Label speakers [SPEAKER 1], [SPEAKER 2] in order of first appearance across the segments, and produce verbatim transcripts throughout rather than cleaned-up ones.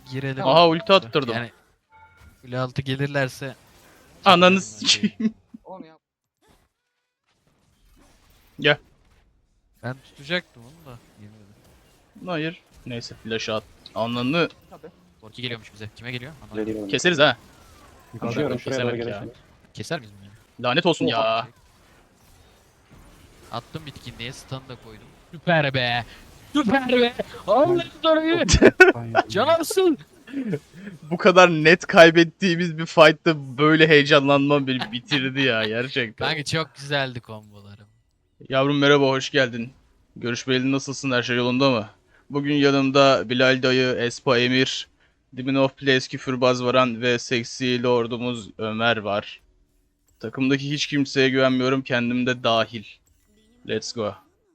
[SPEAKER 1] girelim.
[SPEAKER 2] Aha ulti attırdım.
[SPEAKER 1] Yani kule altı gelirlerse
[SPEAKER 2] Ananı
[SPEAKER 1] çekelim ben şeyi.
[SPEAKER 2] sikeyim.
[SPEAKER 3] Onu yap.
[SPEAKER 2] Gel.
[SPEAKER 1] Ben tutacaktım onu da. Yemedim.
[SPEAKER 2] Hayır. Neyse flash at. Ananı
[SPEAKER 3] Tabii.
[SPEAKER 1] Korki geliyormuş bize. Kime geliyor? Ana.
[SPEAKER 4] Geliyorum.
[SPEAKER 2] keseriz ha.
[SPEAKER 4] Koşuyorum şuraya doğru
[SPEAKER 2] Kesemedik ya.
[SPEAKER 4] gelirsin.
[SPEAKER 1] Keser miyiz bunu yani?
[SPEAKER 2] Lanet olsun ya.
[SPEAKER 1] Attım bitkinliğe stun da koydum. Süper be. Süper be. Allah'ım orayı. Canarsın.
[SPEAKER 2] Bu kadar net kaybettiğimiz bir fight'ta böyle heyecanlanmam beni bitirdi ya gerçekten.
[SPEAKER 1] Kanka çok güzeldi kombolarım.
[SPEAKER 2] Yavrum merhaba, hoş geldin. Görüşmeyeli, nasılsın, her şey yolunda mı? Bugün yanımda Bilal dayı, Espa Emir, Demon of Place Küfürbaz Varan ve seksi lordumuz Ömer var. Takımdaki hiç kimseye güvenmiyorum, kendim de dahil. Let's go.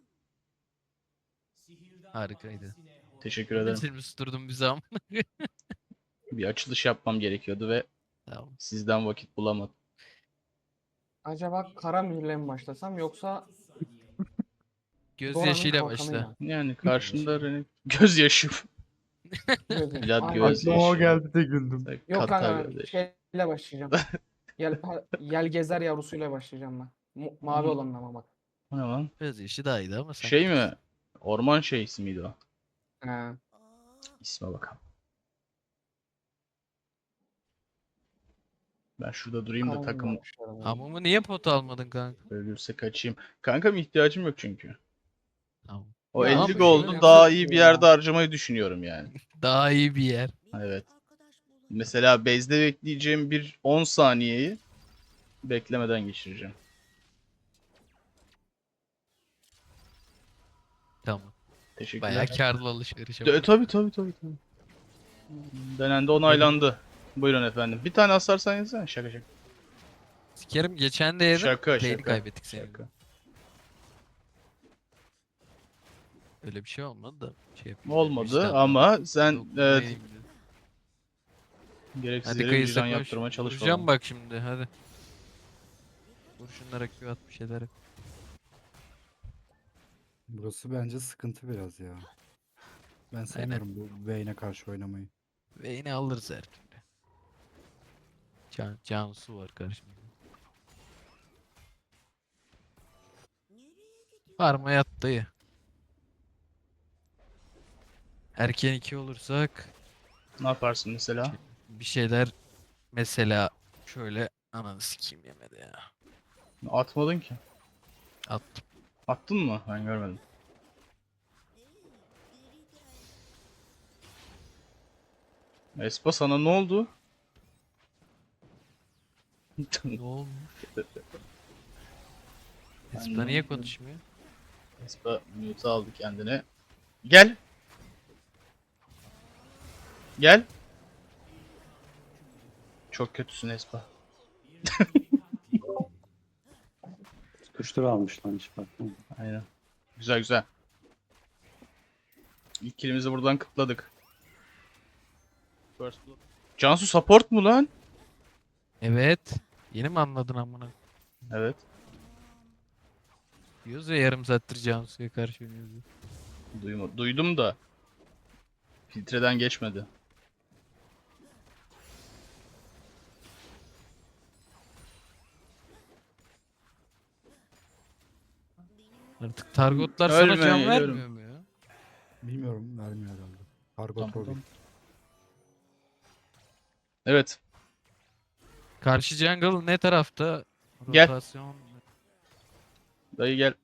[SPEAKER 1] Harikaydı.
[SPEAKER 2] Teşekkür ederim.
[SPEAKER 1] Bitirimi susturdum bir zaman.
[SPEAKER 2] Bir açılış yapmam gerekiyordu ve
[SPEAKER 1] Tamam.
[SPEAKER 2] sizden vakit bulamadım.
[SPEAKER 3] Acaba kara mühürle mi başlasam yoksa
[SPEAKER 1] Gözyaşıyla
[SPEAKER 3] Dora'nın kalkanıyla
[SPEAKER 1] başla.
[SPEAKER 3] mı?
[SPEAKER 2] Yani karşında Rene- gözyaşı.
[SPEAKER 3] Gözüm.
[SPEAKER 2] Bilal
[SPEAKER 3] Ay,
[SPEAKER 2] göz-
[SPEAKER 3] ay.
[SPEAKER 4] Aklıma o geldi de güldüm.
[SPEAKER 3] Yok
[SPEAKER 2] Kata
[SPEAKER 3] kanka
[SPEAKER 2] gözyaşı.
[SPEAKER 3] şeyle başlayacağım. Yel, ha- yelgezer yavrusuyla başlayacağım ben. Mu- mavi
[SPEAKER 2] Hı.
[SPEAKER 3] olanın ama bak.
[SPEAKER 2] O ne lan?
[SPEAKER 1] Gözyaşı daha iyiydi ama sen.
[SPEAKER 2] Şey mi? Orman şeysi miydi o?
[SPEAKER 3] He.
[SPEAKER 2] İsme bakalım. Ben şurada durayım da
[SPEAKER 3] Karanlık
[SPEAKER 2] takım
[SPEAKER 3] yapmışlar ama.
[SPEAKER 1] Hamamı niye pot almadın kanka?
[SPEAKER 2] ölürse kaçayım. Kankam ihtiyacım yok çünkü.
[SPEAKER 1] Tamam.
[SPEAKER 2] O
[SPEAKER 3] Ya
[SPEAKER 2] elli
[SPEAKER 3] abi,
[SPEAKER 2] gold'u
[SPEAKER 3] şöyle
[SPEAKER 2] daha
[SPEAKER 3] yapacak
[SPEAKER 2] iyi bir
[SPEAKER 3] ya.
[SPEAKER 2] yerde harcamayı düşünüyorum yani.
[SPEAKER 1] Daha iyi bir yer.
[SPEAKER 2] Evet. Mesela base'de bekleyeceğim bir on saniyeyi beklemeden geçireceğim.
[SPEAKER 1] Tamam.
[SPEAKER 2] Teşekkürler.
[SPEAKER 1] Bayağı karlı alışveriş
[SPEAKER 2] E,
[SPEAKER 1] yapıyor.
[SPEAKER 2] tabii tabii tabii tabii. Denendi, onaylandı. Buyurun efendim. Bir tane asarsan yazsana. Şaka şaka.
[SPEAKER 1] Sikerim geçen de yedim.
[SPEAKER 2] Şaka
[SPEAKER 1] Lane'i
[SPEAKER 2] şaka.
[SPEAKER 1] kaybettik senin.
[SPEAKER 2] Şaka.
[SPEAKER 1] Öyle bir şey olmadı da. Şey yapayım.
[SPEAKER 2] Olmadı
[SPEAKER 1] Üstten
[SPEAKER 2] ama sen
[SPEAKER 1] dokunmayayım
[SPEAKER 2] evet,
[SPEAKER 1] dedim.
[SPEAKER 2] gereksiz
[SPEAKER 1] Hadi
[SPEAKER 2] yere
[SPEAKER 1] kayısı
[SPEAKER 2] vicdan
[SPEAKER 1] koş.
[SPEAKER 2] yaptırmaya çalışma.
[SPEAKER 1] Vuracağım bak şimdi hadi. Vur şunlara Q at bir şeyler. yap.
[SPEAKER 4] Burası bence sıkıntı biraz ya. Ben sevmiyorum bu Vayne'e karşı oynamayı.
[SPEAKER 1] Ve yine alırız her türlü. Can, Cansu var karşımda. Parma yat dayı. Erken iki olursak
[SPEAKER 2] Ne yaparsın mesela?
[SPEAKER 1] bir şeyler mesela şöyle ananı sikeyim yemedi ya.
[SPEAKER 2] Atmadın ki.
[SPEAKER 1] Attım.
[SPEAKER 2] Attın mı? Ben görmedim. Espa sana ne oldu?
[SPEAKER 1] Ne olmuş?
[SPEAKER 2] Ben
[SPEAKER 1] Espa
[SPEAKER 2] de-
[SPEAKER 1] niye konuşmuyor?
[SPEAKER 2] Espa mute aldı kendine. Gel. Gel. Çok kötüsün Espa.
[SPEAKER 4] Kuştur almış lan hiç bakma.
[SPEAKER 2] Aynen. Güzel güzel. İlk killimizi buradan kıtladık. First blood. Cansu support mu lan?
[SPEAKER 1] Evet. Yeni mi anladın amına?
[SPEAKER 2] Evet.
[SPEAKER 1] Diyoruz ya yarım saattir Cansu'ya karşı oynuyoruz.
[SPEAKER 2] Duyma, duydum da filtreden geçmedi.
[SPEAKER 1] Artık targotlar
[SPEAKER 2] Ölme,
[SPEAKER 1] sana can
[SPEAKER 2] geliyorum.
[SPEAKER 1] vermiyor mu ya?
[SPEAKER 4] Bilmiyorum vermiyor herhalde. Kargo
[SPEAKER 2] Tamam,
[SPEAKER 4] troll.
[SPEAKER 2] tamam. Evet.
[SPEAKER 1] Karşı jungle ne tarafta?
[SPEAKER 2] Gel.
[SPEAKER 1] Rotasyon.
[SPEAKER 2] Dayı gel.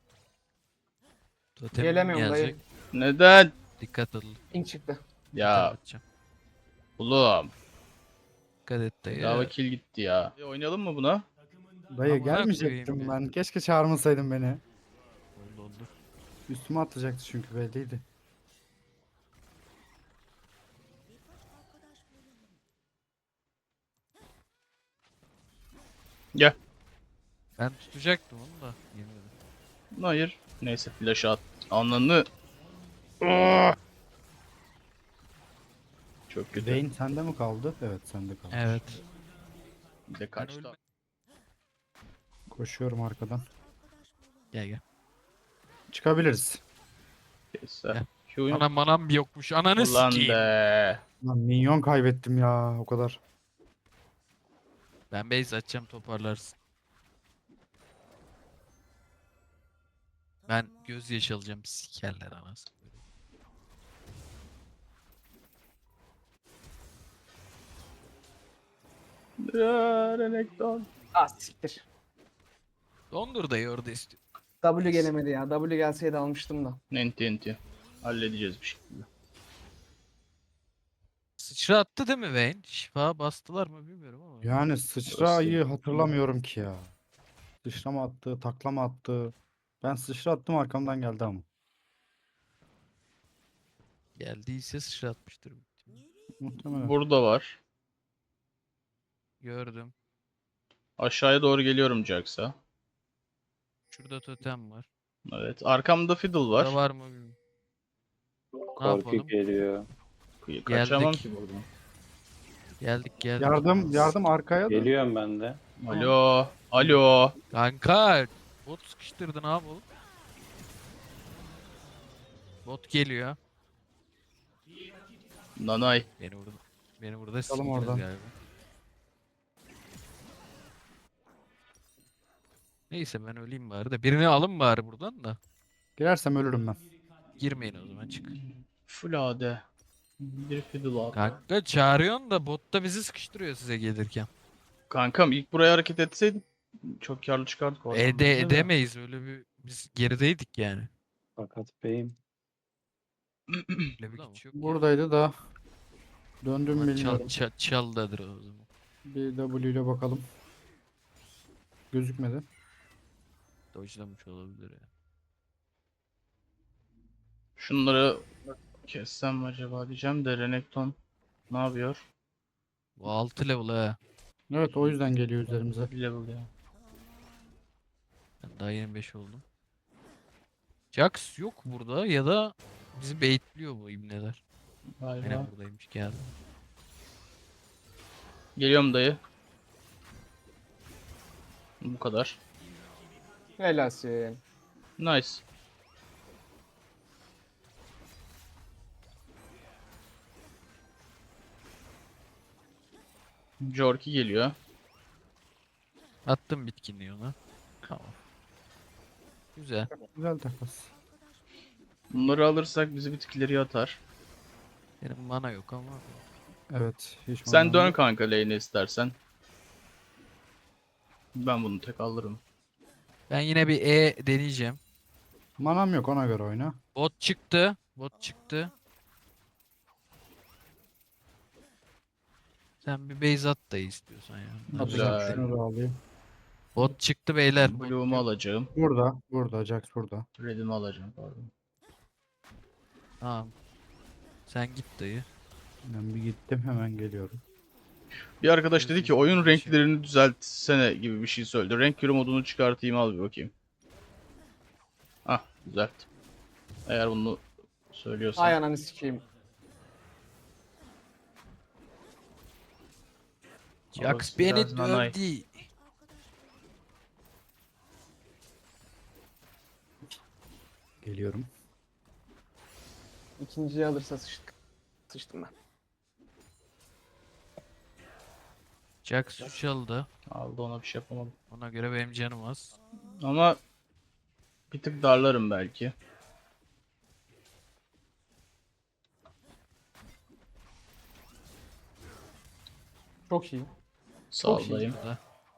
[SPEAKER 1] Totem
[SPEAKER 3] Gelemiyorum dayı.
[SPEAKER 1] gelecek.
[SPEAKER 2] Neden?
[SPEAKER 1] Dikkat edin.
[SPEAKER 3] Ping çıktı.
[SPEAKER 2] Ya
[SPEAKER 1] Atacağım.
[SPEAKER 2] oğlum.
[SPEAKER 1] Dikkat et dayı.
[SPEAKER 2] Bedava kill gitti ya. E, oynayalım mı buna?
[SPEAKER 4] Dayı
[SPEAKER 1] Amına
[SPEAKER 4] gelmeyecektim
[SPEAKER 1] koyayım
[SPEAKER 4] ben. Keşke çağırmasaydın beni.
[SPEAKER 1] Oldu oldu.
[SPEAKER 4] Üstüme atlayacaktı çünkü belliydi.
[SPEAKER 2] Gel.
[SPEAKER 1] Ben tutacaktım onu da. Yemedim.
[SPEAKER 2] Hayır. Neyse flash at. Ananı. Aa! Çok kötü.
[SPEAKER 4] Vayne sende mi kaldı? Evet sende kaldı.
[SPEAKER 1] Evet.
[SPEAKER 2] Bir de kaçtı.
[SPEAKER 1] ölme-
[SPEAKER 4] Koşuyorum arkadan.
[SPEAKER 1] Gel gel.
[SPEAKER 4] Çıkabiliriz.
[SPEAKER 2] Neyse.
[SPEAKER 1] Gel.
[SPEAKER 2] Q'yum.
[SPEAKER 1] Anam manam bir yokmuş. Ananı
[SPEAKER 2] Ulan
[SPEAKER 1] sikeyim.
[SPEAKER 2] be.
[SPEAKER 4] Lan minyon kaybettim ya o kadar.
[SPEAKER 1] Ben base atacağım, toparlarsın. Ben gözyaşı alacağım, sikerler anasını.
[SPEAKER 2] Ya, Renekton.
[SPEAKER 3] Ah siktir.
[SPEAKER 1] Dondur dayı orada istiyor.
[SPEAKER 3] W gelemedi ya. W gelseydi almıştım da.
[SPEAKER 2] Enti enti. Halledeceğiz bir şekilde.
[SPEAKER 1] Sıçra attı değil mi Vayne? Şifa bastılar mı bilmiyorum ama.
[SPEAKER 4] Yani sıçrayı hatırlamıyorum ki ya. Sıçra mı attı, takla mı attı? Ben sıçra attım arkamdan geldi ama.
[SPEAKER 1] Geldiyse sıçra atmıştır.
[SPEAKER 4] Muhtemelen.
[SPEAKER 2] Burada var.
[SPEAKER 1] Gördüm.
[SPEAKER 2] Aşağıya doğru geliyorum Jax'a.
[SPEAKER 1] Şurada totem var.
[SPEAKER 2] Evet. Arkamda Fiddle
[SPEAKER 1] Burada
[SPEAKER 2] var.
[SPEAKER 1] var mı bilmiyorum. Ne
[SPEAKER 5] Korku
[SPEAKER 1] yapalım?
[SPEAKER 5] geliyor.
[SPEAKER 2] Kı- Kaçamam
[SPEAKER 1] Geldik.
[SPEAKER 2] ki buradan.
[SPEAKER 1] Geldik geldik.
[SPEAKER 4] Yardım, yardım arkaya da.
[SPEAKER 5] Geliyorum ben de.
[SPEAKER 2] Alo. Alo.
[SPEAKER 1] Kanka bot sıkıştırdı, ne yapalım? Bot geliyor.
[SPEAKER 2] Nanay.
[SPEAKER 1] Beni burada beni burada
[SPEAKER 4] Bakalım
[SPEAKER 1] sikeceğiz
[SPEAKER 4] oradan.
[SPEAKER 1] galiba. Neyse ben öleyim bari de. Birini alın bari buradan da.
[SPEAKER 4] Girersem ölürüm ben.
[SPEAKER 1] Girmeyin o zaman, çık.
[SPEAKER 2] Full A D. Bir Fiddle al.
[SPEAKER 1] Kanka çağırıyorsun da bot da bizi sıkıştırıyor size gelirken.
[SPEAKER 2] Kankam ilk buraya hareket etseydin çok karlı çıkardık oradan.
[SPEAKER 1] Ede
[SPEAKER 2] bence de.
[SPEAKER 1] edemeyiz öyle bir, biz gerideydik yani.
[SPEAKER 5] Fakat beyim.
[SPEAKER 1] Öyle bir güç yok ya.
[SPEAKER 4] Buradaydı da. Döndüm
[SPEAKER 1] Ama
[SPEAKER 4] bilmiyorum.
[SPEAKER 1] çal, çal, çaldadır o zaman.
[SPEAKER 4] Bir W ile bakalım. Gözükmedi.
[SPEAKER 1] Dojlamış olabilir ya.
[SPEAKER 2] Şunları kessem mi acaba diyeceğim de Renekton ne yapıyor?
[SPEAKER 1] Bu altı level ha.
[SPEAKER 4] Evet o yüzden geliyor üzerimize.
[SPEAKER 2] Bir level ya.
[SPEAKER 1] Ben daha yirmi beş oldum. Jax yok burada ya da bizi baitliyor bu ibneler.
[SPEAKER 2] Galiba.
[SPEAKER 1] Aynen buradaymış, geldi.
[SPEAKER 2] Geliyorum dayı. Bu kadar.
[SPEAKER 3] Helalsin.
[SPEAKER 2] Nice. Jorki geliyor.
[SPEAKER 1] Attım bitkinliği ona. Tamam. Güzel.
[SPEAKER 4] Güzel takas.
[SPEAKER 2] Bunları alırsak bizi bir tık ileriye atar.
[SPEAKER 1] Benim mana yok ama.
[SPEAKER 4] Evet. Hiç
[SPEAKER 2] Sen
[SPEAKER 4] manam
[SPEAKER 2] dön
[SPEAKER 4] yok.
[SPEAKER 2] kanka lane'e istersen. Ben bunu tek alırım.
[SPEAKER 1] Ben yine bir E deneyeceğim.
[SPEAKER 4] Manam yok ona göre oyna.
[SPEAKER 1] Bot çıktı. Bot çıktı. Sen bir base at da istiyorsan ya. Bunlar
[SPEAKER 2] Güzel.
[SPEAKER 4] Atacağım
[SPEAKER 1] bekle.
[SPEAKER 4] şunu da alayım.
[SPEAKER 1] Bot çıktı beyler. Bot
[SPEAKER 2] Blue'umu alacağım.
[SPEAKER 4] Burada. Burada. Jax burada.
[SPEAKER 2] Red'imi alacağım pardon.
[SPEAKER 1] Tamam. Sen git dayı.
[SPEAKER 4] Ben bir gittim hemen geliyorum.
[SPEAKER 2] Bir arkadaş dedi ki oyun
[SPEAKER 1] Şey-
[SPEAKER 2] renklerini düzeltsene gibi bir şey söyledi. Renk körü modunu çıkartayım, al bir bakayım. Ah, düzelt. Eğer bunu söylüyorsan.
[SPEAKER 3] Ay ananı sikeyim.
[SPEAKER 1] Jax
[SPEAKER 2] Orası
[SPEAKER 1] beni
[SPEAKER 2] biraz nanay.
[SPEAKER 1] dövdü.
[SPEAKER 4] Geliyorum.
[SPEAKER 3] İkinciyi alırsa sıçtık. Sıçtım ben.
[SPEAKER 1] Jax üç aldı.
[SPEAKER 2] Aldı, ona bir şey yapamadım.
[SPEAKER 1] Ona göre benim canım az.
[SPEAKER 2] Ama bir tık darlarım belki.
[SPEAKER 3] Çok iyi.
[SPEAKER 2] Sağlayayım.
[SPEAKER 1] Burada.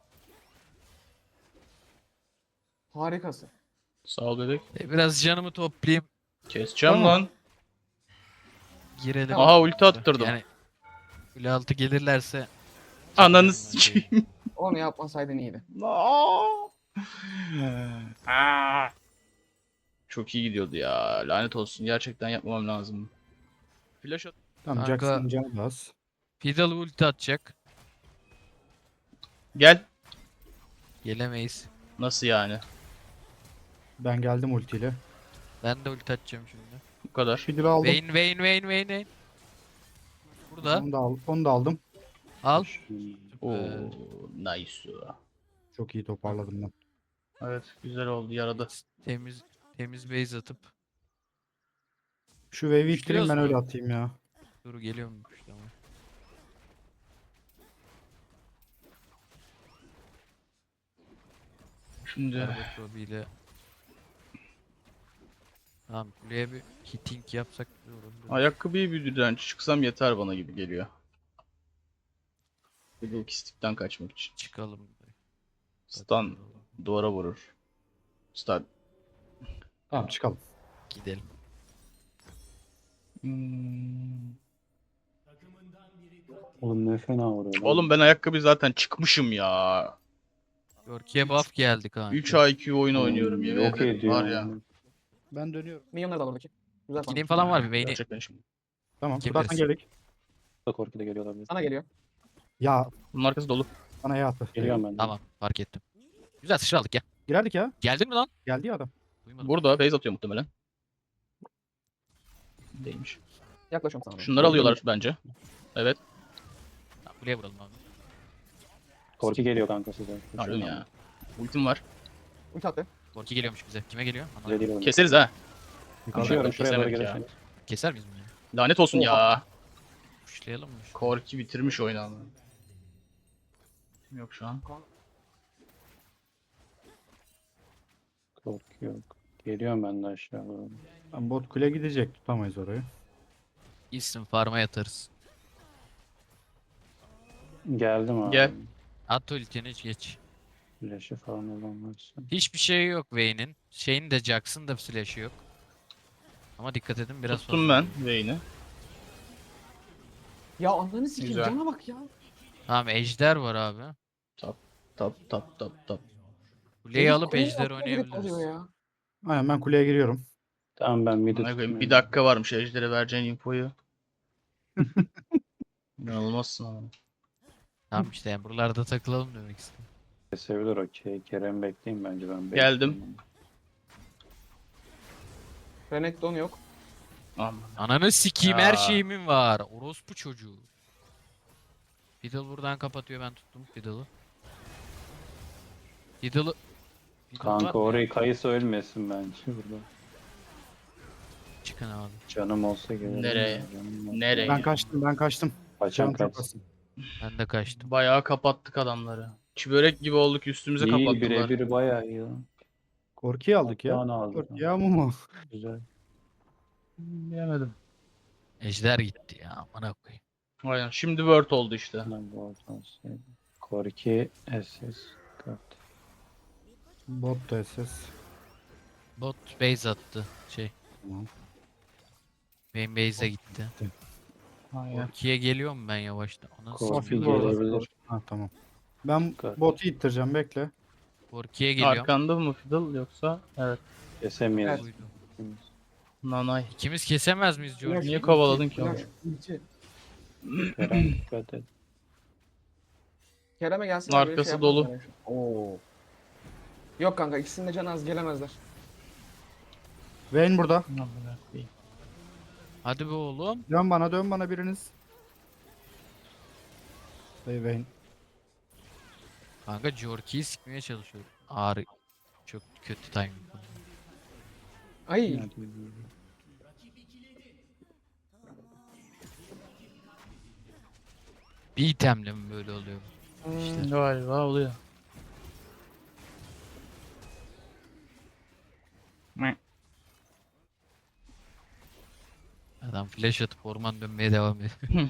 [SPEAKER 3] Harikasın.
[SPEAKER 2] Sağ ol bebek.
[SPEAKER 1] E, biraz canımı toplayayım.
[SPEAKER 2] Keseceğim
[SPEAKER 3] Tamam.
[SPEAKER 2] lan.
[SPEAKER 1] Girelim.
[SPEAKER 2] Aha, ulti attırdım.
[SPEAKER 1] Yani kule altı gelirlerse
[SPEAKER 2] Ananı
[SPEAKER 1] ben
[SPEAKER 2] sikeyim.
[SPEAKER 3] Onu yapmasaydın iyiydi.
[SPEAKER 2] Aa! Aa! Çok iyi gidiyordu ya. Lanet olsun. Gerçekten yapmamam lazım. Flash at.
[SPEAKER 4] Tamam
[SPEAKER 1] Kanka-
[SPEAKER 4] Jax'ın canı da az.
[SPEAKER 1] Fiddle ulti atacak.
[SPEAKER 2] Gel.
[SPEAKER 1] Gelemeyiz.
[SPEAKER 2] Nasıl yani?
[SPEAKER 4] Ben geldim ultiyle.
[SPEAKER 1] Ben de ulti atacağım şimdi.
[SPEAKER 2] Bu kadar.
[SPEAKER 4] Fiddle aldım.
[SPEAKER 1] Vayne Vayne Vayne Vayne Vayne. Burada.
[SPEAKER 4] Onu da, al, onu da aldım.
[SPEAKER 1] Al.
[SPEAKER 2] Oo,
[SPEAKER 1] Ee,
[SPEAKER 2] nice.
[SPEAKER 4] Çok iyi toparladım ben.
[SPEAKER 2] Evet, güzel oldu. Yaradı.
[SPEAKER 1] Temiz temiz base atıp.
[SPEAKER 4] Şu wave'i
[SPEAKER 1] Üçlüyoruz
[SPEAKER 4] ittireyim ben
[SPEAKER 1] mu?
[SPEAKER 4] öyle atayım ya.
[SPEAKER 1] Dur geliyormuş tamam.
[SPEAKER 2] Şimdi
[SPEAKER 1] Garbage Robbie ile tamam kuleye bir hitting yapsak güzel olur.
[SPEAKER 2] ayakkabıyı bir direnç çıksam yeter bana gibi geliyor. Bir de kistikten kaçmak için.
[SPEAKER 1] Çıkalım.
[SPEAKER 2] Stun duvara vurur. Stun.
[SPEAKER 4] Tamam çıkalım.
[SPEAKER 1] Gidelim.
[SPEAKER 2] Hmm.
[SPEAKER 5] Oğlum ne fena vuruyor lan.
[SPEAKER 2] Oğlum ben ayakkabı zaten çıkmışım ya.
[SPEAKER 1] Yorki'ye buff geldi kanka.
[SPEAKER 2] üç I Q oyun
[SPEAKER 5] Oğlum,
[SPEAKER 2] oynuyorum yemin
[SPEAKER 5] yok
[SPEAKER 2] ederim.
[SPEAKER 5] ediyor
[SPEAKER 2] Var ya.
[SPEAKER 5] yani.
[SPEAKER 4] Ben dönüyorum.
[SPEAKER 3] Milyonları da al oradaki. Güzel
[SPEAKER 1] Gideyim
[SPEAKER 3] falan.
[SPEAKER 1] falan var bir beyni.
[SPEAKER 2] Gerçekten şimdi.
[SPEAKER 4] Tamam.
[SPEAKER 1] Kim
[SPEAKER 4] Zaten
[SPEAKER 1] verirse.
[SPEAKER 4] geldik.
[SPEAKER 5] Da korku da geliyor olabilir.
[SPEAKER 3] Sana geliyor.
[SPEAKER 4] Ya
[SPEAKER 2] Bunun arkası dolu.
[SPEAKER 4] bana ya attı.
[SPEAKER 5] Geliyorum ben de.
[SPEAKER 1] Tamam fark ettim. Güzel sıçra aldık ya.
[SPEAKER 4] Girerdik ya.
[SPEAKER 1] Geldin mi lan?
[SPEAKER 4] Geldi ya adam.
[SPEAKER 1] Duymadım.
[SPEAKER 2] Burada base atıyor muhtemelen. Değilmiş.
[SPEAKER 3] Yaklaşıyorum sana. doğru.
[SPEAKER 2] Şunları alıyorlar bence. Evet.
[SPEAKER 1] Tamam, kuleye vuralım abi.
[SPEAKER 5] Korku geliyor kanka size.
[SPEAKER 2] Pardon ya. Ultim var.
[SPEAKER 3] Ulti attı.
[SPEAKER 1] Yorki geliyormuş bize. Kime geliyor? Ana.
[SPEAKER 5] Size değil oğlum.
[SPEAKER 2] Keseriz ha.
[SPEAKER 5] Koşuyorum şuraya doğru
[SPEAKER 2] Kesemedik ya.
[SPEAKER 5] gelirseniz.
[SPEAKER 1] Keser miyiz bunu ya?
[SPEAKER 2] Lanet olsun ya.
[SPEAKER 1] Kuşlayalım mı? şu-
[SPEAKER 2] Korki bitirmiş oyunu ama. Yok şu an.
[SPEAKER 5] Korku yok. Geliyorum ben de aşağı doğru.
[SPEAKER 4] Ben bot kule gidecek. Tutamayız orayı.
[SPEAKER 1] İsim farma yatarız.
[SPEAKER 5] Geldim abi.
[SPEAKER 2] Gel.
[SPEAKER 1] At ultini geç.
[SPEAKER 5] Flash'ı falan olan varsa.
[SPEAKER 1] Hiçbir şey yok Vayne'in. Şeyin de Jax'ın da flash'ı yok. Ama dikkat edin biraz
[SPEAKER 2] Tuttum
[SPEAKER 1] fazla.
[SPEAKER 2] ben Vayne'i.
[SPEAKER 3] Ya ananı sikeyim.
[SPEAKER 2] Güzel.
[SPEAKER 3] Cana bak ya.
[SPEAKER 1] Tamam ejder var abi.
[SPEAKER 2] Tap tap tap tap tap.
[SPEAKER 1] Kuleyi
[SPEAKER 3] Herif
[SPEAKER 1] alıp
[SPEAKER 3] kuleye
[SPEAKER 1] ejder
[SPEAKER 3] atmaya gerek
[SPEAKER 1] oynayabiliriz.
[SPEAKER 3] oluyor ya.
[SPEAKER 4] Aynen ben kuleye giriyorum.
[SPEAKER 5] Tamam ben mid'i
[SPEAKER 2] Amına koyayım,
[SPEAKER 5] tutmuyorum.
[SPEAKER 2] bir dakika varmış Ejder'e vereceğin infoyu. İnanılmazsın ama.
[SPEAKER 1] Tamam işte yani buralarda takılalım demek istedim.
[SPEAKER 5] Kesebilir okey. Kerem bekleyin bence ben
[SPEAKER 2] Geldim.
[SPEAKER 5] bekleyeyim.
[SPEAKER 3] Renekton yok.
[SPEAKER 2] Aman.
[SPEAKER 1] Ananı sikeyim
[SPEAKER 2] Ya.
[SPEAKER 1] her şeyimin var. Orospu çocuğu. Fiddle buradan kapatıyor ben tuttum Fiddle'ı. Fiddle'ı... Fiddle var
[SPEAKER 5] Kanka
[SPEAKER 1] mı ya?
[SPEAKER 5] orayı kayısı ölmesin bence burada.
[SPEAKER 1] Çıkın abi.
[SPEAKER 5] Canım olsa gelirim.
[SPEAKER 2] Nereye?
[SPEAKER 5] ya, canım olsa.
[SPEAKER 2] Nereye?
[SPEAKER 4] Ben kaçtım ben kaçtım.
[SPEAKER 5] Kaçan
[SPEAKER 4] Canım çok
[SPEAKER 5] kaç.
[SPEAKER 4] az.
[SPEAKER 1] Ben de kaçtım.
[SPEAKER 2] Bayağı kapattık adamları. Çibörek gibi olduk üstümüze
[SPEAKER 5] İyi
[SPEAKER 2] kapattılar.
[SPEAKER 5] birebir bayağı iyi lan.
[SPEAKER 4] Korkuyu aldık ya.
[SPEAKER 5] Hatta aldık.
[SPEAKER 4] Korkuyu ama mu?
[SPEAKER 5] Güzel.
[SPEAKER 2] Bilemedim.
[SPEAKER 1] Ejder gitti ya amına koyayım.
[SPEAKER 2] Aynen. Şimdi Word oldu işte.
[SPEAKER 5] Ben bu ortam sevdim. Korki S S kart.
[SPEAKER 4] Bot da S S.
[SPEAKER 1] Bot base attı. Şey.
[SPEAKER 4] Tamam.
[SPEAKER 1] Benim base'e gitti.
[SPEAKER 2] Aynen.
[SPEAKER 1] Orki'ye geliyorum ben yavaştan. Ona
[SPEAKER 5] Korki
[SPEAKER 1] sikeyim.
[SPEAKER 4] Korki orada.
[SPEAKER 5] gelebilir.
[SPEAKER 4] Ha tamam. Ben
[SPEAKER 5] Dikkat.
[SPEAKER 4] botu ittireceğim bekle.
[SPEAKER 1] Orki'ye geliyorum.
[SPEAKER 2] Arkanda mı Fiddle yoksa? Evet.
[SPEAKER 5] Kesemeyiz.
[SPEAKER 1] Buydu.
[SPEAKER 2] Nanay.
[SPEAKER 1] İkimiz kesemez miyiz George?
[SPEAKER 2] Niye kovaladın ki onu?
[SPEAKER 3] Flash, ulti.
[SPEAKER 5] Kerem dikkat et.
[SPEAKER 3] Kerem'e gelsin.
[SPEAKER 2] Arkası dolu.
[SPEAKER 3] Oo. Yok kanka ikisinin de canı az gelemezler.
[SPEAKER 4] Vayne burada.
[SPEAKER 2] Amına koyayım.
[SPEAKER 1] Hadi be oğlum.
[SPEAKER 4] Dön bana dön bana biriniz. Hey Vayne.
[SPEAKER 1] Kanka Jorki'yi sikmeye çalışıyorum. Ağrı. Çok kötü timing.
[SPEAKER 3] Ay.
[SPEAKER 5] Hadi.
[SPEAKER 1] Bir itemle mi böyle oluyor?
[SPEAKER 3] Hmm,
[SPEAKER 2] Galiba oluyor.
[SPEAKER 1] Adam flash atıp orman dönmeye devam ediyor.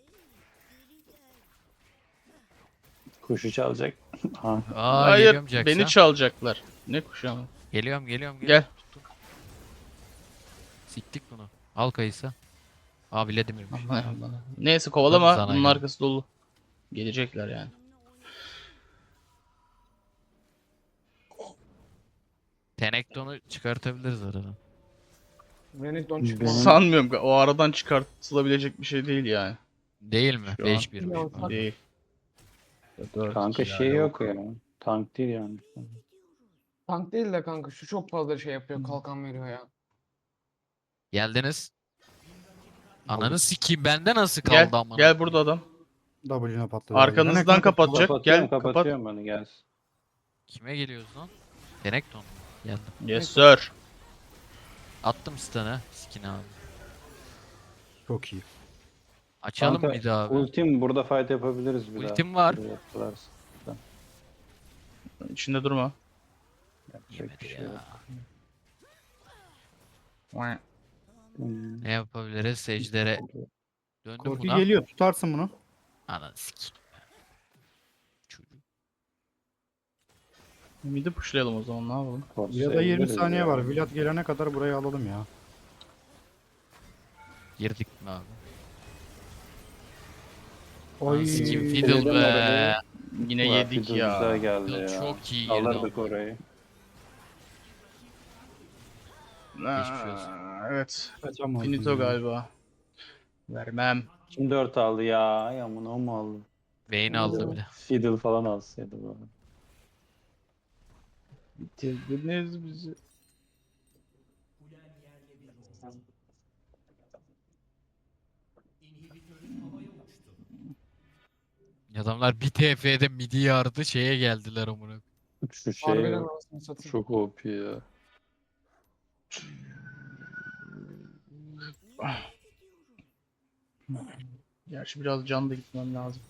[SPEAKER 5] Kuşu çalacak. Ha.
[SPEAKER 1] Aa
[SPEAKER 2] Hayır,
[SPEAKER 1] geliyorum Jax'a.
[SPEAKER 2] beni çalacaklar. Ne kuşu ama.
[SPEAKER 1] Geliyorum geliyorum
[SPEAKER 2] Gel.
[SPEAKER 1] geliyorum. Tuttum. Siktik bunu. Al kayısı. Aa Vladimir'miş.
[SPEAKER 2] Aman Allah'ım. Neyse kovalama.
[SPEAKER 1] Tabii sana
[SPEAKER 2] Bunun
[SPEAKER 1] ya.
[SPEAKER 2] arkası dolu. Gelecekler yani.
[SPEAKER 1] Tenekton'u çıkartabiliriz aradan.
[SPEAKER 3] Renekton
[SPEAKER 5] Benim-
[SPEAKER 3] çıkmadı.
[SPEAKER 2] Sanmıyorum. O aradan çıkartılabilecek bir şey değil yani.
[SPEAKER 1] Değil mi?
[SPEAKER 2] Şu an-
[SPEAKER 1] beş birmiş.
[SPEAKER 3] Yok,
[SPEAKER 1] bu.
[SPEAKER 2] Değil. Dört,
[SPEAKER 5] Kanka
[SPEAKER 2] iki
[SPEAKER 5] şey
[SPEAKER 2] yani.
[SPEAKER 5] yok ya. Tank değil yani.
[SPEAKER 3] Tank değil de kanka şu çok fazla şey yapıyor. Kalkan veriyor ya.
[SPEAKER 1] Geldiniz. Ananı sikeyim bende nasıl kaldı
[SPEAKER 2] Gel,
[SPEAKER 1] amına?
[SPEAKER 2] gel burada adam.
[SPEAKER 4] W'ne patladı.
[SPEAKER 2] Arkanızdan
[SPEAKER 4] Renekton
[SPEAKER 2] kapatacak.
[SPEAKER 5] Kapatıyorum,
[SPEAKER 2] Gel kapat.
[SPEAKER 5] kapatıyorum beni gelsin.
[SPEAKER 1] Kime geliyoruz lan? Tenekton mu? Geldim.
[SPEAKER 2] Yes sir.
[SPEAKER 1] Attım stun'ı. Skin abi.
[SPEAKER 4] Çok iyi.
[SPEAKER 1] Açalım
[SPEAKER 5] Kanka,
[SPEAKER 1] bir daha abi.
[SPEAKER 5] ultim burada fight yapabiliriz bir daha.
[SPEAKER 1] Ultim var.
[SPEAKER 5] Buraya atlarsın.
[SPEAKER 2] İçinde durma.
[SPEAKER 5] Yapacak
[SPEAKER 1] Yemedi
[SPEAKER 5] bir şey
[SPEAKER 1] ya.
[SPEAKER 5] yok. Hmm.
[SPEAKER 1] Ne yapabiliriz? Secdere döndüm
[SPEAKER 4] Korki
[SPEAKER 1] buna.
[SPEAKER 4] geliyor, tutarsın bunu.
[SPEAKER 1] Ananı sikeyim. Çocuk.
[SPEAKER 2] Midi pushlayalım o zaman, ne yapalım?
[SPEAKER 5] Force
[SPEAKER 4] Ya da yirmi
[SPEAKER 5] sayabiliriz
[SPEAKER 4] saniye
[SPEAKER 5] ya.
[SPEAKER 4] var. Vlad gelene kadar burayı alalım ya.
[SPEAKER 1] Girdik mi abi?
[SPEAKER 4] Oy.
[SPEAKER 1] Sikim
[SPEAKER 5] Fiddle
[SPEAKER 1] Fiddle be.
[SPEAKER 5] orada.
[SPEAKER 2] Yine
[SPEAKER 5] Ulan
[SPEAKER 2] yedik
[SPEAKER 5] Fiddle
[SPEAKER 2] ya.
[SPEAKER 5] Güzel geldi
[SPEAKER 1] Fiddle
[SPEAKER 5] ya.
[SPEAKER 1] çok iyi girdi
[SPEAKER 5] Alırdık
[SPEAKER 1] ama.
[SPEAKER 5] orayı.
[SPEAKER 1] Geçmiş olsun.
[SPEAKER 2] Aa, evet.
[SPEAKER 4] Kaçamadım
[SPEAKER 2] Finito
[SPEAKER 4] ya.
[SPEAKER 2] galiba. Vermem.
[SPEAKER 5] Kim dört aldı ya? Ay aman o mu aldı?
[SPEAKER 1] Vayne aldı bir de.
[SPEAKER 5] Fiddle falan alsaydı bu.
[SPEAKER 2] Bitirdiniz bizi.
[SPEAKER 1] Adamlar bir T F'de midi yardı şeye geldiler amına.
[SPEAKER 5] Şu şey
[SPEAKER 3] Harbiden anasını satayım.
[SPEAKER 5] çok O P ya.
[SPEAKER 2] Gerçi biraz can da gitmem lazım.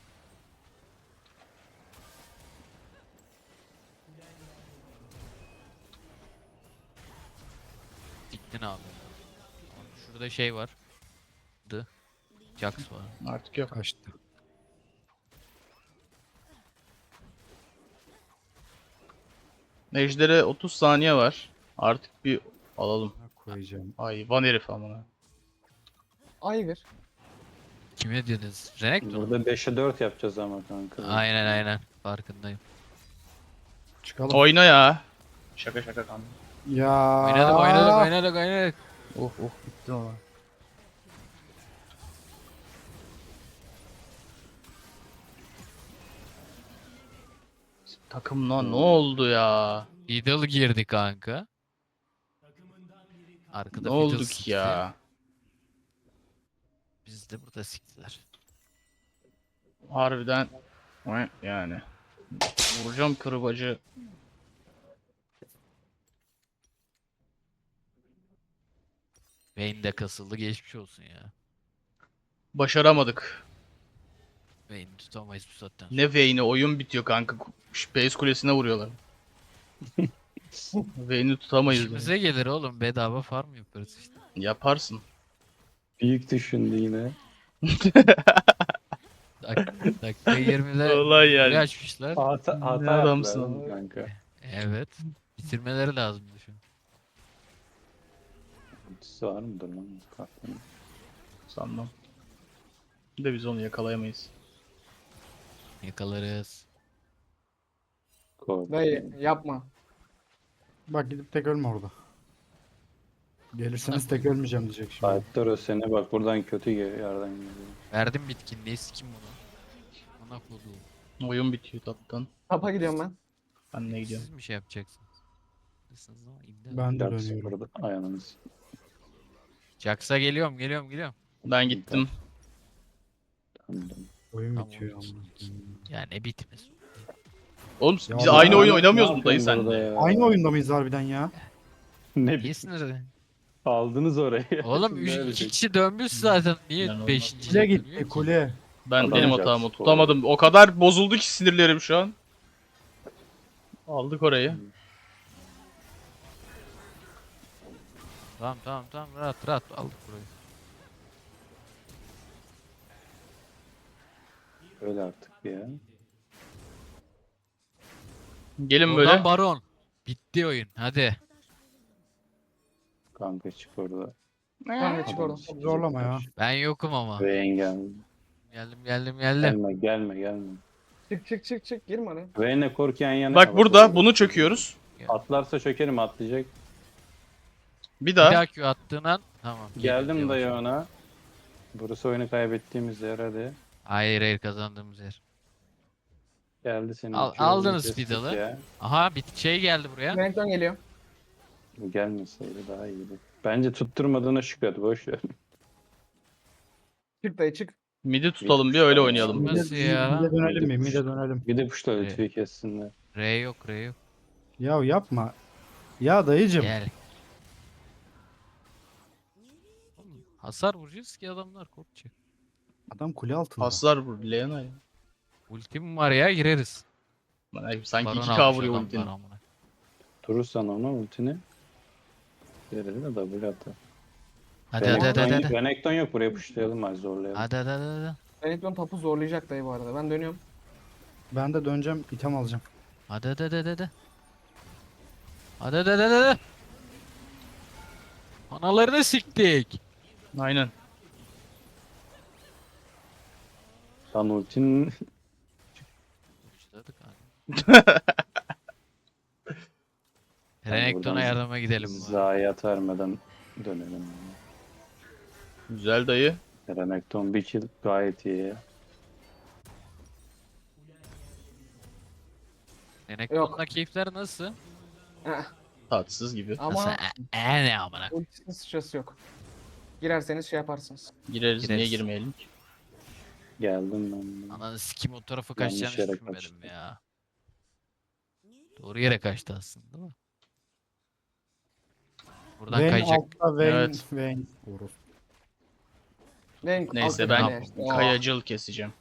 [SPEAKER 1] Diktin abi. Şurada şey var. Dı. Jax var.
[SPEAKER 2] Artık yok.
[SPEAKER 4] Kaçtı.
[SPEAKER 2] Ejder'e otuz saniye var. Artık bir alalım.
[SPEAKER 4] Koyacağım.
[SPEAKER 2] Hayvan herif amına.
[SPEAKER 3] Ayvır.
[SPEAKER 1] Kime dediniz? Renekton mu?
[SPEAKER 5] Burada beşe dört yapacağız ama kanka.
[SPEAKER 1] Aynen aynen. Farkındayım.
[SPEAKER 4] Çıkalım.
[SPEAKER 2] Oyna ya. Şaka şaka kanka.
[SPEAKER 4] Ya.
[SPEAKER 1] Oynadık oynadık oynadık oynadık.
[SPEAKER 2] Oh oh bitti ama. Takımla ne oldu ya?
[SPEAKER 1] Fiddle girdi kanka. Arkada
[SPEAKER 2] Ne
[SPEAKER 1] Fiddle
[SPEAKER 2] olduk
[SPEAKER 1] sikti.
[SPEAKER 2] ya?
[SPEAKER 1] Biz de burada siktiler.
[SPEAKER 2] Harbiden yani. Vuracağım kırbacı.
[SPEAKER 1] Vayne de kasıldı geçmiş olsun ya.
[SPEAKER 2] Başaramadık.
[SPEAKER 1] Vayne'i tutamayız bu saatten sonra.
[SPEAKER 2] Ne Vayne'i, oyun bitiyor kanka. Space Kulesi'ne vuruyorlar. Vayne'i tutamayız. yani.
[SPEAKER 1] İşimize gelir oğlum bedava farm yaparız işte.
[SPEAKER 2] Yaparsın.
[SPEAKER 5] Büyük düşündü yine.
[SPEAKER 1] Dak dakika yirmide
[SPEAKER 2] Olay
[SPEAKER 1] kule
[SPEAKER 2] yani.
[SPEAKER 1] açmışlar.
[SPEAKER 5] Hata, hata
[SPEAKER 2] Ne
[SPEAKER 5] yaptılar
[SPEAKER 2] adamsın
[SPEAKER 5] ama
[SPEAKER 2] ama.
[SPEAKER 5] kanka.
[SPEAKER 1] Evet. Bitirmeleri lazım düşün.
[SPEAKER 5] Ultisi var mıdır lan? Kalktım.
[SPEAKER 2] Sanmam. Bir de biz onu yakalayamayız.
[SPEAKER 1] Yakalarız.
[SPEAKER 5] Kork.
[SPEAKER 3] Dayı yapma.
[SPEAKER 4] Bak gidip tek ölme orada. Gelirseniz tek ölmeyeceğim diyecek şimdi.
[SPEAKER 5] Fight'lar o sene bak buradan kötü geliyor yerden geliyor.
[SPEAKER 1] Verdim bitkinliği sikim bunu. Ona koduğum.
[SPEAKER 2] Oyun bitiyor tattan.
[SPEAKER 3] Tapa gidiyorum ben.
[SPEAKER 2] Ben ne gidiyorum?
[SPEAKER 1] Siz mi şey yapacaksınız? Siz ama imdat.
[SPEAKER 4] Ben de
[SPEAKER 5] Jax
[SPEAKER 4] dönüyorum.
[SPEAKER 5] burada ayağınız.
[SPEAKER 1] Jax'a geliyorum geliyorum geliyorum.
[SPEAKER 2] Ben gittim.
[SPEAKER 5] Tamam, tamam.
[SPEAKER 4] Oyun
[SPEAKER 1] Tamam,
[SPEAKER 4] bitiyor
[SPEAKER 1] olsun.
[SPEAKER 4] ama.
[SPEAKER 1] Ya ne bitmez.
[SPEAKER 2] Oğlum
[SPEAKER 4] Ya
[SPEAKER 2] biz
[SPEAKER 4] ben-
[SPEAKER 2] aynı oyun
[SPEAKER 5] Ne
[SPEAKER 2] oynamıyoruz mu
[SPEAKER 5] yapıyorsun
[SPEAKER 2] dayı
[SPEAKER 5] burada
[SPEAKER 2] senle?
[SPEAKER 5] ya?
[SPEAKER 4] Aynı oyunda mıyız harbiden ya?
[SPEAKER 5] Ne
[SPEAKER 1] Niye sinirli?
[SPEAKER 5] aldınız orayı?
[SPEAKER 1] Oğlum
[SPEAKER 5] Şimdi
[SPEAKER 1] üç,
[SPEAKER 5] öyle
[SPEAKER 1] iki
[SPEAKER 5] şey.
[SPEAKER 1] kişi dönmüş zaten. Niye
[SPEAKER 2] İnanılmaz.
[SPEAKER 1] beşinci
[SPEAKER 4] Kule
[SPEAKER 1] dönüyor
[SPEAKER 4] gitti
[SPEAKER 1] ki?
[SPEAKER 4] kule.
[SPEAKER 2] Ben
[SPEAKER 5] Adam
[SPEAKER 2] benim
[SPEAKER 5] Jax
[SPEAKER 2] hatam o.
[SPEAKER 5] oldu.
[SPEAKER 2] Tutamadım. O kadar bozuldu ki sinirlerim şu an. Aldık orayı.
[SPEAKER 1] Tamam tamam tamam rahat rahat aldık burayı.
[SPEAKER 5] Öyle artık ya.
[SPEAKER 2] Gelin
[SPEAKER 1] Oradan
[SPEAKER 2] böyle.
[SPEAKER 1] baron. Bitti oyun hadi.
[SPEAKER 5] Kanka çık orada.
[SPEAKER 3] Kanka çık oradan.
[SPEAKER 5] Adam
[SPEAKER 4] Zorlama ya.
[SPEAKER 1] Ben yokum ama.
[SPEAKER 5] Ve engel.
[SPEAKER 1] Geldim geldim geldim.
[SPEAKER 5] Gelme gelme gelme.
[SPEAKER 3] Çık çık çık çık girme oraya.
[SPEAKER 5] Vayne kork yan yana.
[SPEAKER 2] Bak burada bunu çöküyoruz.
[SPEAKER 5] Atlarsa çökerim atlayacak.
[SPEAKER 2] Bir
[SPEAKER 1] Bir
[SPEAKER 2] daha.
[SPEAKER 1] daha Q attığın an tamam.
[SPEAKER 5] Geldim
[SPEAKER 1] geliyor,
[SPEAKER 5] dayı
[SPEAKER 1] yavaş.
[SPEAKER 5] ona. Burası oyunu kaybettiğimiz yer hadi.
[SPEAKER 1] Hayır hayır kazandığımız yer.
[SPEAKER 5] Geldi senin.
[SPEAKER 1] Al-
[SPEAKER 5] iki yolunu
[SPEAKER 1] aldınız
[SPEAKER 5] kestik
[SPEAKER 1] Fiddle'ı.
[SPEAKER 5] ya.
[SPEAKER 1] Aha bir şey geldi buraya.
[SPEAKER 3] Renekton geliyor.
[SPEAKER 5] Bu gelmeseydi daha iyiydi. Bence tutturmadığına şükret boş ver.
[SPEAKER 3] Çık dayı çık.
[SPEAKER 2] Midi tutalım bir öyle oynayalım.
[SPEAKER 1] Nasıl
[SPEAKER 4] Mide,
[SPEAKER 1] ya?
[SPEAKER 4] mide dönelim mi?
[SPEAKER 5] Mide
[SPEAKER 4] Mide dönelim.
[SPEAKER 5] Bir de puşla
[SPEAKER 1] Evet.
[SPEAKER 5] lütfi kessinler.
[SPEAKER 1] R yok R yok.
[SPEAKER 4] Ya yapma. Ya dayıcım.
[SPEAKER 1] Gel. Oğlum, hasar vuracağız ki adamlar korkacak.
[SPEAKER 4] Adam kule altında.
[SPEAKER 2] Paslar bu Leona ya.
[SPEAKER 1] Ultim var ya, gireriz.
[SPEAKER 2] Bana sanki
[SPEAKER 1] Baron
[SPEAKER 2] iki K
[SPEAKER 1] almış
[SPEAKER 2] vuruyor
[SPEAKER 1] adamlar
[SPEAKER 2] ultinin.
[SPEAKER 1] amına.
[SPEAKER 5] Durursan ona ultini. Verir de W atar.
[SPEAKER 1] Hadi hadi hadi
[SPEAKER 5] Renekton,
[SPEAKER 1] hadi.
[SPEAKER 5] yok-
[SPEAKER 1] Hadi
[SPEAKER 5] Renekton yok, buraya pushlayalım hadi zorlayalım.
[SPEAKER 1] hadi hadi. hadi.
[SPEAKER 3] Renekton tapu zorlayacak dayı bu arada. Ben dönüyorum.
[SPEAKER 4] Ben de döneceğim item alacağım.
[SPEAKER 1] Hadi hadi hadi hadi. Hadi hadi hadi hadi. Analarını siktik.
[SPEAKER 2] Aynen.
[SPEAKER 5] Lan ultinin
[SPEAKER 1] Başladık abi. Renekton'a
[SPEAKER 5] buradan
[SPEAKER 1] yardıma gidelim. bu arada.
[SPEAKER 5] zayiat vermeden dönelim.
[SPEAKER 2] Güzel dayı.
[SPEAKER 5] Renekton bir kill gayet iyi ya.
[SPEAKER 1] Renekton'la keyifler nasıl?
[SPEAKER 3] Heh.
[SPEAKER 2] Tatsız gibi.
[SPEAKER 1] Nasıl?
[SPEAKER 3] Ama
[SPEAKER 1] E, e ne amına.
[SPEAKER 3] ultisinin sıçrası yok. Girerseniz şey yaparsınız.
[SPEAKER 2] Gireriz, niye
[SPEAKER 1] Gireriz.
[SPEAKER 2] girmeyelim ki?
[SPEAKER 5] Geldim ben. de.
[SPEAKER 1] Ananı sikim o tarafa
[SPEAKER 5] Yanlış
[SPEAKER 1] kaçacağını
[SPEAKER 5] yere
[SPEAKER 1] düşünmedim
[SPEAKER 5] kaçtı.
[SPEAKER 1] ya. Doğru yere kaçtı aslında değil mi? Buradan
[SPEAKER 4] Vayne
[SPEAKER 1] kayacak.
[SPEAKER 4] altta Vayne.
[SPEAKER 2] Evet.
[SPEAKER 4] Vayne. Orospu.
[SPEAKER 3] Renk
[SPEAKER 2] Neyse
[SPEAKER 3] altı
[SPEAKER 2] ben
[SPEAKER 3] tane işte. Aa.
[SPEAKER 2] kayacıl keseceğim.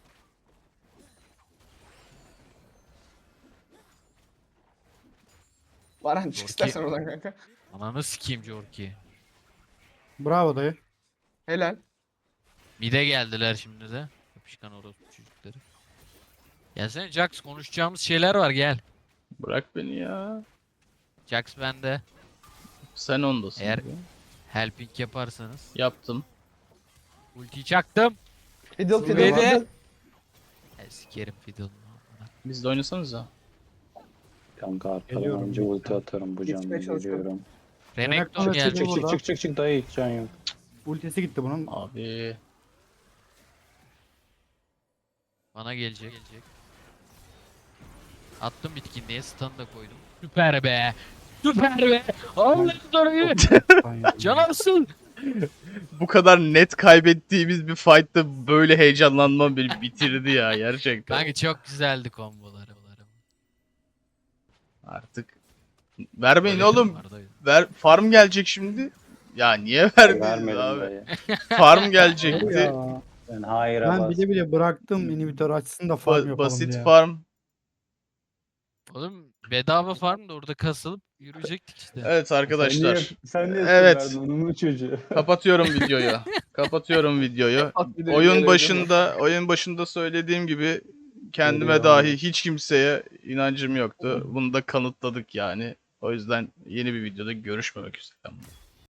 [SPEAKER 3] Baran çık
[SPEAKER 1] Dorki.
[SPEAKER 3] istersen oradan kanka.
[SPEAKER 1] Ananı sikeyim Jorki.
[SPEAKER 4] Bravo dayı.
[SPEAKER 3] Helal.
[SPEAKER 1] Mide geldiler şimdi de. Yapışkan orospu çocukları. Gelsene Jax, konuşacağımız şeyler var, gel.
[SPEAKER 2] Bırak beni ya.
[SPEAKER 1] Jax bende.
[SPEAKER 2] Sen ondasın.
[SPEAKER 1] Eğer-
[SPEAKER 2] gibi.
[SPEAKER 1] Helping yaparsanız.
[SPEAKER 2] Yaptım.
[SPEAKER 1] Ultiyi çaktım.
[SPEAKER 3] Fiddle
[SPEAKER 1] Su
[SPEAKER 3] fiddle
[SPEAKER 1] yedi.
[SPEAKER 3] fiddle.
[SPEAKER 1] E, sikerim fiddle'ını.
[SPEAKER 2] Biz de oynasanız ha.
[SPEAKER 5] Kanka arkadan
[SPEAKER 4] Geliyorum,
[SPEAKER 5] önce
[SPEAKER 4] bekle.
[SPEAKER 5] ulti atarım bu canlı
[SPEAKER 3] Geçmeye çalışıyorum.
[SPEAKER 5] geliyorum.
[SPEAKER 1] Renekton
[SPEAKER 4] Renekton
[SPEAKER 1] geldi.
[SPEAKER 5] Çık
[SPEAKER 4] burada.
[SPEAKER 5] çık çık çık çık dayı hiç can yok.
[SPEAKER 4] Ultisi gitti bunun.
[SPEAKER 2] Abi.
[SPEAKER 1] Bana gelecek. gelecek. Attım bitkinliğe, stun da koydum. Süper be. Süper be. Allah'ın soruyu. Canarsın.
[SPEAKER 2] Bu kadar net kaybettiğimiz bir fight'ta böyle heyecanlanmam beni bitirdi ya gerçekten.
[SPEAKER 1] Kanka çok güzeldi komboları.
[SPEAKER 2] Artık vermeyin
[SPEAKER 1] Öyle
[SPEAKER 2] oğlum.
[SPEAKER 1] durumlardaydı.
[SPEAKER 2] Ver farm gelecek şimdi. Ya niye verdiniz
[SPEAKER 5] Vermedim
[SPEAKER 2] abi?
[SPEAKER 5] dayı.
[SPEAKER 2] Farm gelecekti.
[SPEAKER 4] Ya.
[SPEAKER 5] Ben hayır
[SPEAKER 4] Ben
[SPEAKER 5] bas.
[SPEAKER 4] bile bile bıraktım inhibitor açsın da farm
[SPEAKER 2] Ba-
[SPEAKER 4] yapalım
[SPEAKER 2] basit
[SPEAKER 4] diye.
[SPEAKER 2] farm.
[SPEAKER 1] Oğlum bedava farm da orada kasılıp yürüyecektik işte.
[SPEAKER 2] Evet arkadaşlar.
[SPEAKER 5] Sen niye, sen niye
[SPEAKER 2] Evet.
[SPEAKER 5] evet. Onun çocuğu.
[SPEAKER 2] Kapatıyorum videoyu. Kapatıyorum videoyu.
[SPEAKER 3] At bir de
[SPEAKER 2] Oyun
[SPEAKER 3] böyle
[SPEAKER 2] başında oyun başında söylediğim gibi kendime
[SPEAKER 5] Geliyor
[SPEAKER 2] dahi
[SPEAKER 5] abi.
[SPEAKER 2] hiç kimseye inancım yoktu. Bunu da kanıtladık yani. O yüzden yeni bir videoda görüşmemek üzere.